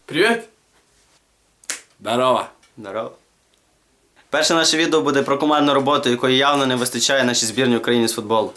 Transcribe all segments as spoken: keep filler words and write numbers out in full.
Привіт! Здорово! Здорово. Перше наше відео буде про командну роботу, якої явно не вистачає нашій збірній України з футболу.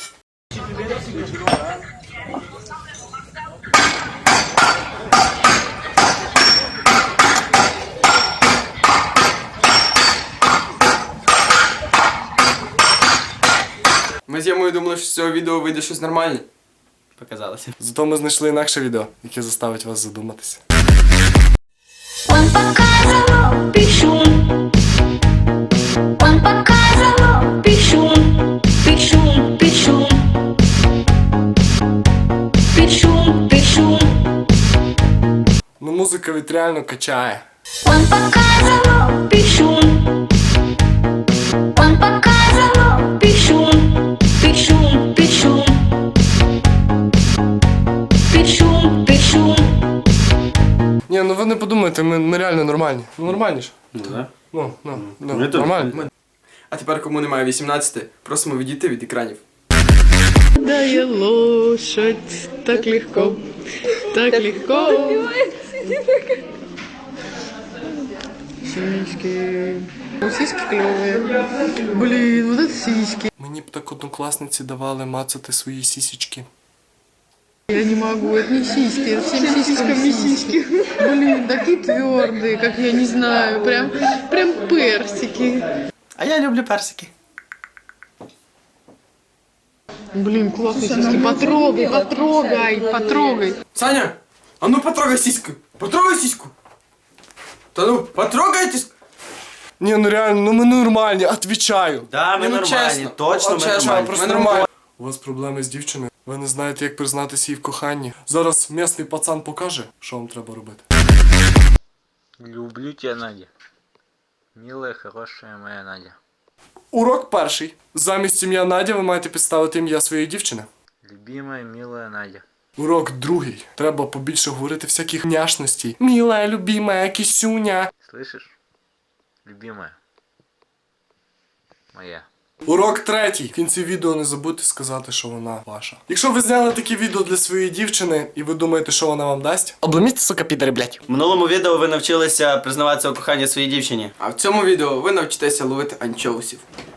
Ми з Ямою думали, що з цього відео вийде щось нормальне. Показалося. Зато ми знайшли інакше відео, яке заставить вас задуматися. Он показывал пишу, он показывал пишу, пишу, пишу, пишу, пишу. Ну, музика від реально качає. Он показывал пишу, он показывал пишу, пишу, пишу, пишу, пишу. Ні, ну ви не подумайте, ми, ми реально нормальні. Ну нормальні ж. Ну, да. Ну, ну, ну Ми тут. нормально. А тепер, кому немає вісімнадцяти, просимо відійти від екранів. Дає лошадь, так легко, так легко. Сиськи. Ну, сиськи клевые. Блин, вот это сиськи. Мені б так однокласниці давали мацати свої сісічки. Я не могу, это не сиськи, это всем сиськами сиськи. Блин, такие твердые, как я не знаю, прям, прям персики. А я люблю персики. Блин, классные сиськи, потрогай, потрогай, потрогай. Саня, а ну потрогай сіську! Потрогай сіську! Та ну, потрогайте! Ні, ну реально, ну ми нормальні, отвічаю. Да, ми Ну, нормальні, чесно. точно От ми чесно, нормальні. просто нормально. У вас проблеми з дівчиною. Ви не знаєте, як признатися їй в коханні. Зараз місний пацан покаже, що вам треба робити. Люблю тебя, Надя. Милая, хорошая моя Надя. Урок перший. Замість ім'я Надя ви маєте підставити ім'я своєї дівчини. Любимая, милая Надя. Урок другий. Треба побільше говорити всяких няшностей. Міла, любима, кисюня. Слышишь? Любимая. Моя. Урок третій. В кінці відео не забудьте сказати, що вона ваша. Якщо ви зняли таке відео для своєї дівчини і ви думаєте, що вона вам дасть, обломіть, сука, підери, блядь. В минулому відео ви навчилися признаватися у коханні своїй дівчині. А в цьому відео ви навчитеся ловити анчоусів.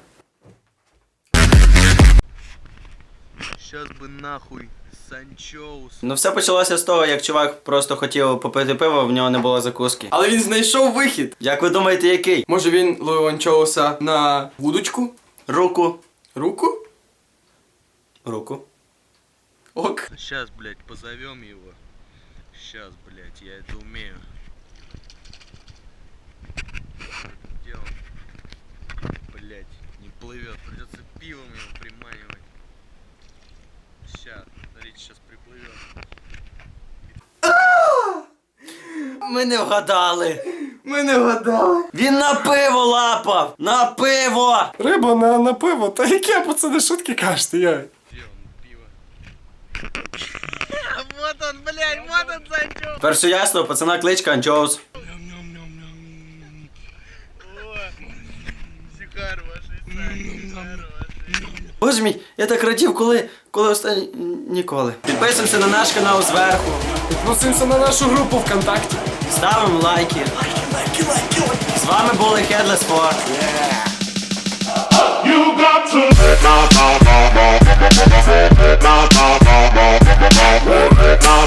Сейчас бы нахуй Санчоус. Ну все почалося з того, як чувак просто хотів попити пиво, в нього не було закуски. Але він знайшов вихід. Як ви думаєте, який? Може він ловив анчоуса на вудочку? Руку. Руку? Руку. Ок. Сейчас, блядь, позовем его. Сейчас, блядь, я это умею. Где он? Блядь, не плывет. Придется пивом его приманивать. Сейчас, смотрите, сейчас приплывет. Ми не вгадали. Ми не вгадали. Він на пиво лапав! На пиво! Риба на, на пиво. Та яке, пацани, шутки кажете, я. Где он, пиво? Вот он, блядь, вот он, Санчоус. Тепер все ясно, пацана кличка Анчоус. Сихар вашей, Сихар вашей. Боже мій, я так радів, коли, коли останні... Ніколи. Підписуємося на наш канал зверху. Підписуємося на нашу групу ВКонтакті. Ставимо лайки. З вами були Headless Four. You got to